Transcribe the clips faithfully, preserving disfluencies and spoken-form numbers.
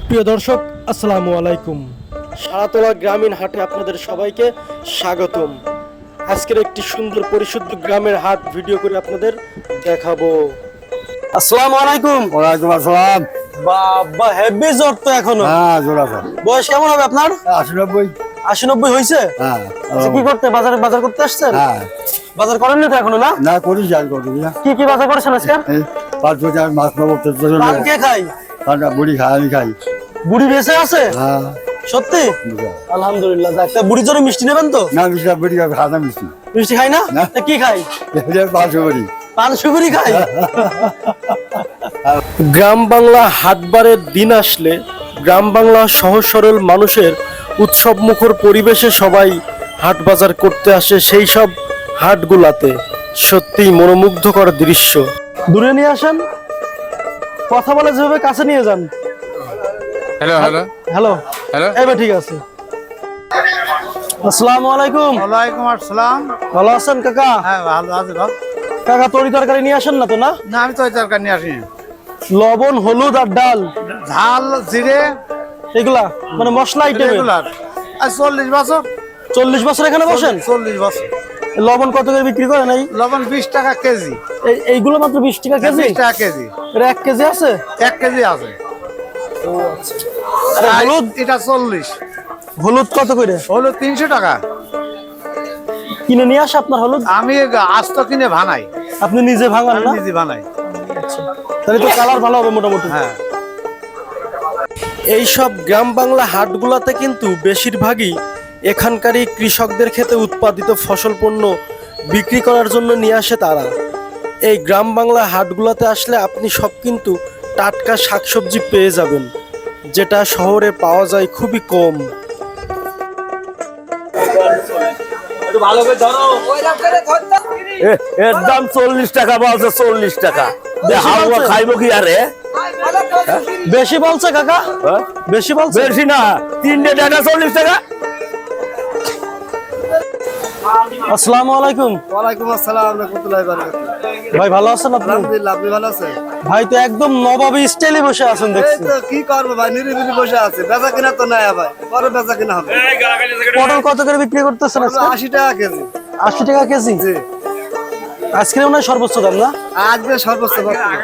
প্রিয় দর্শক, আসসালামু আলাইকুম। সারাতলা গ্রামীণ হাটে আপনাদের সবাইকে স্বাগতম। আজকের একটি সুন্দর পরিশুদ্ধ গ্রামের হাট ভিডিও করে আপনাদের দেখাবো। আসসালামু আলাইকুম। ওয়ালাইকুম আসসালাম। বাবা, হেভি জ্বর তো এখনো। হ্যাঁ, জোর আছে। বয়স কেমন হবে আপনার? আশি নব্বই। আশি নব্বই হয়েছে? হ্যাঁ। আচ্ছা, কি করতে বাজারে বাজার করতে আসছেন? হ্যাঁ। বাজার করেননি তো এখনো? না না, করি যাই করি না। কি কি বাজার করেছেন আজকে? এই পাঁচ বছর মাছ নেবো, পান কে খাই? ঠান্ডা বুড়ি খাই, আমি খাই। বুড়ি বেঁচে আছে? হ্যাঁ। সত্যি? আলহামদুলিল্লাহ। যাক, তা বুড়ির জন্য মিষ্টি নেবেন তো? না, মিষ্টি বুড়ি খাওয়া মিষ্টি মিষ্টি খাই না? না। তা কি খাই? পাঁচশো বুড়ি। পান সুপুরি খাই। গ্রাম বাংলা হাটবারের দিন আসলে গ্রাম বাংলা সহজ সরল মানুষের উৎসব মুখর পরিবেশে সবাই হাট বাজার করতে আসে। সেই সব হাটগুলাতে সত্যিই মনোমুগ্ধকর দৃশ্য। দূরে নিয়ে আসেন, কথা বলে যেভাবে কাছে নিয়ে যান। হ্যালো হ্যালো হ্যালো হ্যালো এবার ঠিক আছে। আসসালামু আলাইকুম। ওয়ালাইকুম আসসালাম। ভালো আছেন কাকা? হ্যাঁ, ভালো আছি বাপ। কাকা, তরি তরকারি নিয়ে আসেন না তো? না, না, আমি তো ওই তরকারি নিয়ে আসিনি। লবণ, হলুদ আর ডাল, ঝাল, জিরে, এগুলা মানে মশলা আইটেম। রেগুলার। আর চল্লিশ বছর। চল্লিশ বছর এখানে বসেন? চল্লিশ বছর। লবণ কত করে বিক্রি করেন? এই লবণ বিশ টাকা কেজি। এই- এইগুলো মাত্র বিশ টাকা কেজি? বিশ টাকা কেজি। এটা এক কেজি আছে? এক কেজি আছে। আর হলুদ? এটা চল্লিশ। হলুদ কত করে? হলুদ তিনশো টাকা। কিনে নিয়ে আসে আপনার হলুদ? আমি আস্ত কিনে বানাই। আপনি নিজে ভাঙান আমি না? নিজে বানাই। তাহলে তো কালার ভালো হবে মোটামুটি। হ্যাঁ। এইসব গ্রাম বাংলা হাটগুলাতে কিন্তু বেশিরভাগই এখানকারই কৃষকদের ক্ষেতে উৎপাদিত ফসল পণ্য বিক্রি করার জন্য নিয়ে আসে তারা। এই গ্রাম বাংলা হাটগুলাতে আসলে আপনি সব কিন্তু টাটকা শাকসবজি পেয়ে যাবেন, যেটা শহরে পাওয়া যায় খুবই কম। এর দাম চল্লিশ টাকা বলছে, চল্লিশ টাকা। বেশি হালুয়া বলছে? খাইবো কি আরে? বেশি বলছে কাকা? হ্যাঁ? বেশি বলছে? বেশি না, তিনটে টাকা চল্লিশ টাকা। আসসালামু আলাইকুম। ওয়ালাইকুম আসসালাম রাহমাতুল্লাহি ওয়া বারাকাতুহু। ভাই, ভালো আছেন আপনি? আলহামদুলিল্লাহ, আপনি ভালো আছেন? ভাই তো একদম নবাবী স্টাইলে বসে আছেন এই দেখছি। তো কি করবো ভাই, নিরিবিলি বসে আছে। বেচা কিনা তো নাই ভাই, পরে বেচা কিনা হবে। পটল কত করে বিক্রি করতেছেন আজকে? আশি টাকা কেজি। আশি টাকা কেজি? জি। আজকে মনে হয় সর্বোচ্চ দাম, না? আজকে সর্বোচ্চ বর্তমান।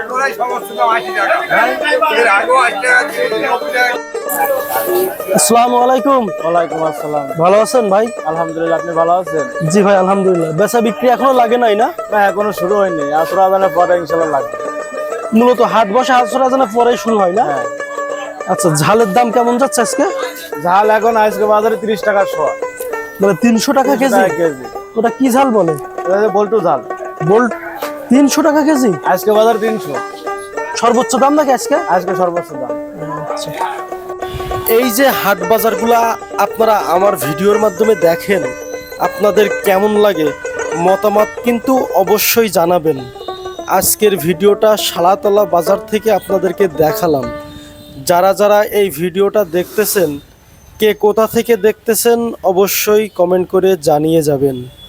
আসসালামু আলাইকুম। ওয়ালাইকুম আসসালাম। ভালো আছেন ভাই? আলহামদুলিল্লাহ, আপনি ভালো আছেন? জি ভাই, আলহামদুলিল্লাহ। বেচা বিক্রি এখনো লাগে নাই না? না, এখনো শুরু হয়নি। আসর আজানের পরে ইনশাল্লাহ লাগবে। মূলত হাট বসে আসর আজানের পরে শুরু হয় না? হ্যাঁ। আচ্ছা, ঝালের দাম কেমন যাচ্ছে আজকে? ঝাল এখন আজকে বাজারে তিরিশ টাকা শোয়া। মানে তিনশো টাকা কেজি? কেজি। ওটা কি ঝাল বলে? বল্টু ঝাল। বোল্ট তিনশো টাকা কেজি? আজকে বাজার তিনশো। সর্বোচ্চ দাম নাকি আজকে? আজকে সর্বোচ্চ দাম। এই যে হাট বাজারগুলা আপনারা আমার ভিডিওর মাধ্যমে দেখেন, আপনাদের কেমন লাগে মতামত কিন্তু অবশ্যই জানাবেন। আজকের ভিডিওটা শালাতলা বাজার থেকে আপনাদেরকে দেখালাম। যারা যারা এই ভিডিওটা দেখতেছেন, কে কোথা থেকে দেখতেছেন অবশ্যই কমেন্ট করে জানিয়ে যাবেন।